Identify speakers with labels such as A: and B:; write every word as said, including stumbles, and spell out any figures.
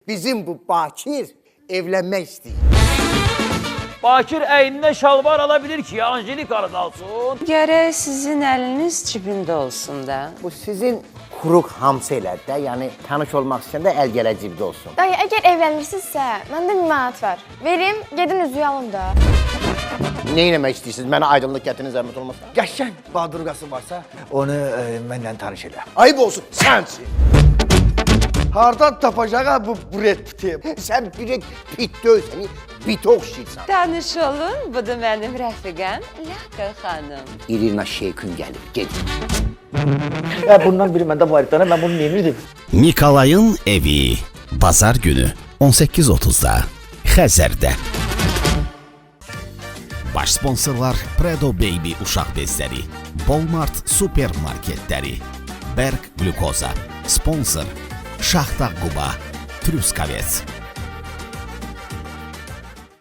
A: bizim bu Bakir evlenmek istiyor.
B: Bakir əynində şalvar alabilir ki, Angelika da alsın.
C: Gərək sizin əliniz cibində olsun da.
A: Bu sizin kuruk hamsı elədi də, yəni tanış olmaq istəyən də əl gələ cibdə olsun.
D: Dayı, əgər evlənirsinizsə, məndə bir manat var. Verim, gedin üzüyü alın da.
A: Ne eləmək istəyirsiniz? Mənə aydınlıq gətirin, zəhmət olmasa.
E: Qəşəng badurqası varsa, onu e, məndən tanış elə.
A: Ayıb olsun, sensin.
E: Hardan tapacaq bu Brad Pitt'i?
A: Sen bir pit döy, seni bit oxşayırsan.
C: Tanış olun, bu da mənim rəfiqəm Laka xanım.
A: İrina Şeykün gəlir, gedin.
E: Ya bundan biri məndə var idi, mən bunu yemirdim.
F: Mikolay'ın evi. Bazar günü on sekiz otuzda Xəzərdə. Baş sponsorlar Predo Baby uşaq bezləri, Walmart supermarketləri, Berg Glukoza, sponsor Şaxta Quba, Truskavets.